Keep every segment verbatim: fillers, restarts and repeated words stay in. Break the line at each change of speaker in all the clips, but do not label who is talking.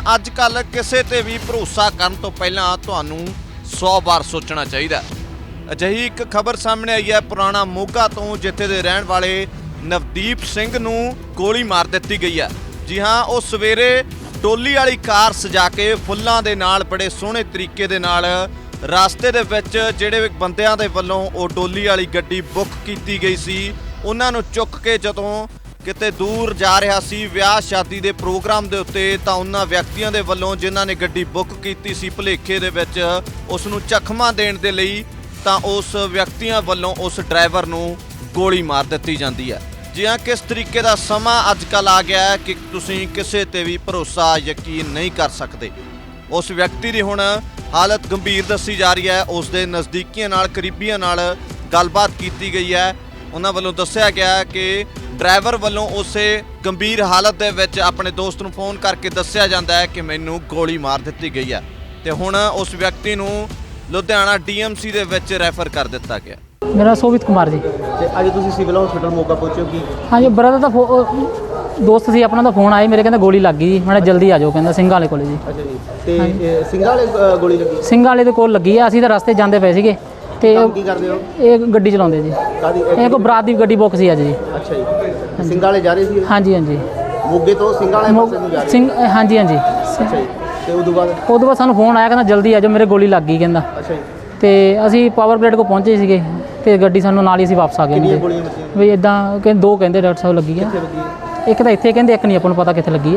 ਅੱਜ ਕੱਲ੍ਹ ਕਿਸੇ ਤੇ ਵੀ ਭਰੋਸਾ ਕਰਨ ਤੋਂ ਪਹਿਲਾਂ ਤੁਹਾਨੂੰ ਸੌ ਵਾਰ ਸੋਚਣਾ ਚਾਹੀਦਾ। ਅਜਿਹੀ ਇੱਕ ਖਬਰ ਸਾਹਮਣੇ ਆਈ ਹੈ ਪੁਰਾਣਾ ਮੋਗਾ ਤੋਂ, ਜਿੱਥੇ ਦੇ ਰਹਿਣ ਵਾਲੇ ਨਵਦੀਪ ਸਿੰਘ ਨੂੰ ਗੋਲੀ ਮਾਰ ਦਿੱਤੀ ਗਈ ਹੈ। ਜੀ ਹਾਂ, ਉਹ ਸਵੇਰੇ ਟੋਲੀ ਵਾਲੀ ਕਾਰ ਸਜਾ ਕੇ ਫੁੱਲਾਂ ਦੇ ਨਾਲ ਬੜੇ ਸੋਹਣੇ ਤਰੀਕੇ ਦੇ ਨਾਲ ਰਸਤੇ ਦੇ ਵਿੱਚ ਜਿਹੜੇ ਬੰਦਿਆਂ ਦੇ ਵੱਲੋਂ ਉਹ ਟੋਲੀ ਵਾਲੀ ਗੱਡੀ ਬੁੱਕ ਕੀਤੀ ਗਈ ਸੀ, ਉਹਨਾਂ ਨੂੰ ਚੁੱਕ ਕੇ ਜਦੋਂ ਕਿਤੇ ਦੂਰ ਜਾ ਰਿਹਾ ਸੀ ਵਿਆਹ ਸ਼ਾਦੀ ਦੇ ਪ੍ਰੋਗਰਾਮ ਦੇ ਉੱਤੇ, ਤਾਂ ਉਹਨਾਂ ਵਿਅਕਤੀਆਂ ਦੇ ਵੱਲੋਂ ਜਿਨ੍ਹਾਂ ਨੇ ਗੱਡੀ ਬੁੱਕ ਕੀਤੀ ਸੀ ਭੁਲੇਖੇ ਦੇ ਵਿੱਚ ਉਸ ਨੂੰ ਜ਼ਖਮਾਂ ਦੇਣ ਦੇ ਲਈ, ਤਾਂ ਉਸ ਵਿਅਕਤੀਆਂ ਵੱਲੋਂ ਉਸ ਡਰਾਈਵਰ ਨੂੰ ਗੋਲੀ ਮਾਰ ਦਿੱਤੀ ਜਾਂਦੀ ਹੈ। ਜੀ ਹਾਂ, ਕਿਸ ਤਰੀਕੇ ਦਾ ਸਮਾਂ ਅੱਜ ਕੱਲ੍ਹ ਆ ਗਿਆ ਹੈ ਕਿ ਤੁਸੀਂ ਕਿਸੇ ਤੇ ਵੀ ਭਰੋਸਾ ਯਕੀਨ ਨਹੀਂ ਕਰ ਸਕਦੇ। ਉਸ ਵਿਅਕਤੀ ਦੀ ਹੁਣ ਹਾਲਤ ਗੰਭੀਰ ਦੱਸੀ ਜਾ ਰਹੀ ਹੈ। ਉਸ ਦੇ ਨਜ਼ਦੀਕੀਆਂ ਨਾਲ, ਕਰੀਬੀਆਂ ਨਾਲ ਗੱਲਬਾਤ ਕੀਤੀ ਗਈ ਹੈ। ਉਹਨਾਂ ਵੱਲੋਂ ਦੱਸਿਆ ਗਿਆ ਕਿ ਡਰਾਈਵਰ ਵੱਲੋਂ ਉਸੇ ਗੰਭੀਰ ਹਾਲਤ ਦੇ ਵਿੱਚ ਆਪਣੇ ਦੋਸਤ ਨੂੰ ਫੋਨ ਕਰਕੇ ਦੱਸਿਆ ਜਾਂਦਾ ਹੈ ਕਿ ਮੈਨੂੰ ਗੋਲੀ ਮਾਰ ਦਿੱਤੀ ਗਈ ਹੈ, ਤੇ ਹੁਣ ਉਸ ਵਿਅਕਤੀ ਨੂੰ ਲੁਧਿਆਣਾ ਡੀ ਐਮ ਸੀ ਦੇ ਵਿੱਚ ਰੈਫਰ ਕਰ ਦਿੱਤਾ ਗਿਆ।
मेरा सोवित कुमार जी।
ਤੇ ਅੱਜ ਤੁਸੀਂ ਸਿਵਲ ਹਸਪੀਟਲ ਮੋਗਾ ਪਹੁੰਚੇ ਕੀ?
हाँ जी, ब्रदर का फो दोस्त ਸੀ ਆਪਣਾ ਦਾ ਫੋਨ ਆਇਆ ਮੇਰੇ, ਕਹਿੰਦਾ ਗੋਲੀ ਲੱਗ ਗਈ ਜੀ। ਮੈਂ ਜਲਦੀ ਆ ਜਾਓ, ਕਹਿੰਦਾ ਸਿੰਘਾਂ ਵਾਲੇ ਕੋਲੇ ਜੀ।
ਅੱਛਾ ਜੀ, ਤੇ ਇਹ ਸਿੰਘਾਂ ਵਾਲੇ ਅ, ਗੋਲੀ ਲੱਗੀ?
ਸਿੰਘਾਂ ਵਾਲੇ ਦੇ ਕੋਲ ਲੱਗੀ ਆ। ਅਸੀਂ ਤਾਂ ਰਸਤੇ ਜਾਂਦੇ ਪਏ ਸੀਗੇ ਤੇ
ਕੰਮ ਕੀ ਕਰਦੇ ਹੋ?
ਇਹ ਗੱਡੀ ਚਲਾਉਂਦੇ ਜੀ।
ਕਾਦੀ?
ਇਹ ਕੋਈ ਬਰਾਤ ਦੀ ਗੱਡੀ ਬੁੱਕ ਸੀ ਅੱਜ ਜੀ।
ਅੱਛਾ ਜੀ, ਸਿੰਘਾਂ ਵਾਲੇ ਜਾ ਰਹੇ ਸੀ?
ਹਾਂਜੀ ਹਾਂਜੀ,
ਮੋਗੇ ਤੋਂ ਸਿੰਘਾਂ ਵਾਲੇ ਪਾਸੇ ਨੂੰ ਜਾ ਰਹੇ?
ਸਿੰਘ ਹਾਂਜੀ ਹਾਂਜੀ।
ਅੱਛਾ ਜੀ, ਤੇ ਉਦੋਂ ਬਾਅਦ?
ਉਦੋਂ ਬਾਅਦ ਸਾਨੂੰ ਫੋਨ ਆਇਆ, ਕਹਿੰਦਾ ਜਲਦੀ ਆ ਜਾਓ, ਮੇਰੇ ਗੋਲੀ ਲੱਗ ਗਈ ਕਹਿੰਦਾ।
ਅੱਛਾ ਜੀ,
ਤੇ ਅਸੀਂ ਪਾਵਰ ਪਲੇਟ ਕੋ ਪਹੁੰਚੇ ਸੀਗੇ ਤੇ ਗੱਡੀ ਸਾਨੂੰ ਨਾਲ ਹੀ ਅਸੀਂ ਵਾਪਸ ਆ ਗਏ।
ਕਿੰਨੀਆਂ ਗੋਲੀਆਂ ਵੱਜੀਆਂ?
ਵੀ ਇਦਾਂ ਕਹਿੰਦੇ ਦੋ ਕਹਿੰਦੇ ਡਾਕਟਰ ਸਾਹਿਬ ਲੱਗੀ ਆ।
ਕਿੱਥੇ ਵੱਜੀ ਹੈ?
ਇੱਕ ਤਾਂ ਇੱਥੇ ਕਹਿੰਦੇ, ਇੱਕ ਨਹੀਂ ਆਪਾਂ ਨੂੰ ਪਤਾ ਕਿੱਥੇ ਲੱਗੀ ਆ।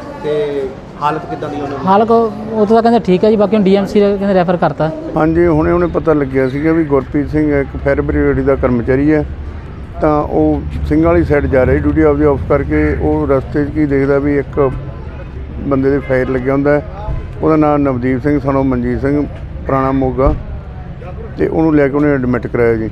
ਤੇ ਹਾਲਤ ਕਿੱਦਾਂ ਦੀ ਉਹਨਾਂ ਦੀ?
ਹਾਲ ਉਹ ਤਾਂ ਕਹਿੰਦੇ ਠੀਕ ਹੈ ਜੀ, ਬਾਕੀ ਹੁਣ ਡੀ ਐਮ ਸੀ ਕਹਿੰਦੇ ਰੈਫਰ ਕਰਤਾ।
ਹਾਂਜੀ, ਹੁਣੇ ਹੁਣੇ ਪਤਾ ਲੱਗਿਆ ਸੀਗਾ ਵੀ ਗੁਰਪ੍ਰੀਤ ਸਿੰਘ ਇੱਕ ਫਾਇਰ ਬ੍ਰਿਗੇਡ ਦਾ ਕਰਮਚਾਰੀ ਹੈ, ਤਾਂ ਉਹ ਸਿੰਘਾਂ ਵਾਲੀ ਸਾਈਡ ਜਾ ਰਿਹਾ ਡਿਊਟੀ ਆਪਦੀ ਆਫ ਕਰਕੇ। ਉਹ ਰਸਤੇ 'ਚ ਕੀ ਦੇਖਦਾ ਵੀ ਇੱਕ ਬੰਦੇ ਦੇ ਫਾਇਰ ਲੱਗਿਆ ਹੁੰਦਾ ਹੈ। ਉਹਦਾ ਨਾਮ ਨਵਦੀਪ ਸਿੰਘ ਸਨੋ ਮਨਜੀਤ ਸਿੰਘ, ਪੁਰਾਣਾ ਮੋਗਾ, ਤੇ ਉਹਨੂੰ ਲੈ ਕੇ ਉਹਨੇ ਐਡਮਿਟ ਕਰਾਇਆ ਜੀ।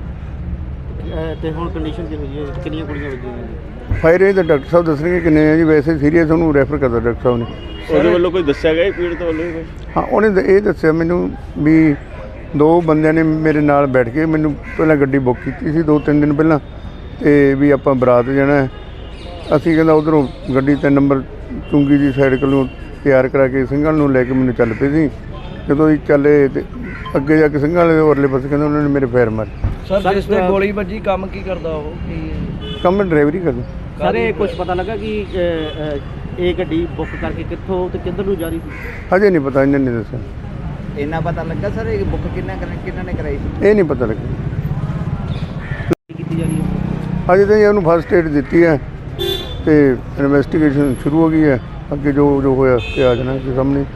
ਤੇ ਹੁਣ ਕੰਡੀਸ਼ਨ ਕੀ ਹੋਈ ਹੈ? ਕਿੰਨੀਆਂ ਗੋਲੀਆਂ ਵੱਜੀਆਂ?
ਫਾਇਰ ਇਹ ਤਾਂ ਡਾਕਟਰ ਸਾਹਿਬ ਦੱਸਣਗੇ ਕਿੰਨੇ ਹੈ ਜੀ। ਵੈਸੇ ਸੀਰੀਅਸ ਉਹਨੂੰ ਰੈਫਰ ਕਰਦਾ ਡਾਕਟਰ ਸਾਹਿਬ ਨੇ।
ਉਹਦੇ ਵੱਲੋਂ ਕੋਈ ਦੱਸਿਆ ਗਿਆ ਪੀੜਤ ਵੱਲੋਂ?
ਹਾਂ, ਉਹਨੇ ਤਾਂ ਇਹ ਦੱਸਿਆ ਮੈਨੂੰ ਵੀ ਦੋ ਬੰਦਿਆਂ ਨੇ ਮੇਰੇ ਨਾਲ ਬੈਠ ਕੇ ਮੈਨੂੰ ਪਹਿਲਾਂ ਗੱਡੀ ਬੁੱਕ ਕੀਤੀ ਸੀ ਦੋ ਤਿੰਨ ਦਿਨ ਪਹਿਲਾਂ, ਤੇ ਵੀ ਆਪਾਂ ਬਰਾਤ ਜਾਣਾ। ਅਸੀਂ ਕਹਿੰਦਾ ਉੱਧਰੋਂ ਗੱਡੀ ਤਿੰਨ ਨੰਬਰ ਚੁੰਗੀ ਦੀ ਸਾਈਡ ਕੋਲੋਂ ਤਿਆਰ ਕਰਾ ਕੇ ਸਿੰਘਾਂ ਨੂੰ ਲੈ ਕੇ ਮੈਨੂੰ ਚੱਲ ਪਏ ਸੀ। ਜਦੋਂ ਅਸੀਂ ਚੱਲੇ ਤੇ ਅੱਗੇ ਜਾ ਕੇ ਸਿੰਘਾਂ ਵਾਲੇ ਉਰਲੇ ਪਾਸੇ ਕਹਿੰਦਾ ਉਹਨਾਂ ਨੇ ਮੇਰੇ ਫਾਇਰ ਮਾਰੇ।
ਸਰ ਜਿਸ ਤੇ ਗੋਲੀ ਵੱਜੀ, ਕੰਮ ਕੀ ਕਰਦਾ ਉਹ?
ਕੰਮ ਡਰਾਈਵਰੀ ਕਰਦਾ।
ਸਰ ਇਹ ਕੁਝ ਪਤਾ ਲੱਗਾ ਕਿ ਇਹ ਗੱਡੀ ਬੁੱਕ ਕਰਕੇ ਕਿੱਥੋਂ ਤੇ ਕਿੱਧਰ ਨੂੰ ਜਾ ਰਹੀ ਸੀ?
ਹਜੇ ਨਹੀਂ ਪਤਾ, ਇਹਨਾਂ ਨੇ ਦੱਸਿਆ।
ਇੰਨਾ ਪਤਾ ਲੱਗਾ ਸਰ ਇਹ ਬੁੱਕ ਕਿੰਨਾ ਕਿੰਨਾ ਨੇ ਕਰਾਈ ਸੀ?
ਇਹ ਨਹੀਂ ਪਤਾ ਲੱਗਿਆ।
ਕੀਤੀ ਜਾ ਰਹੀ ਹੈ
ਹਜੇ ਤਾਂ ਉਹਨੂੰ ਫਸਟ ਏਡ ਦਿੱਤੀ ਹੈ ਤੇ ਇਨਵੈਸਟੀਗੇਸ਼ਨ ਸ਼ੁਰੂ ਹੋ ਗਈ ਹੈ। ਅੱਗੇ ਜੋ ਜੋ ਹੋਇਆ ਤੇ ਆ ਜਾਣਾ ਸਾਹਮਣੇ।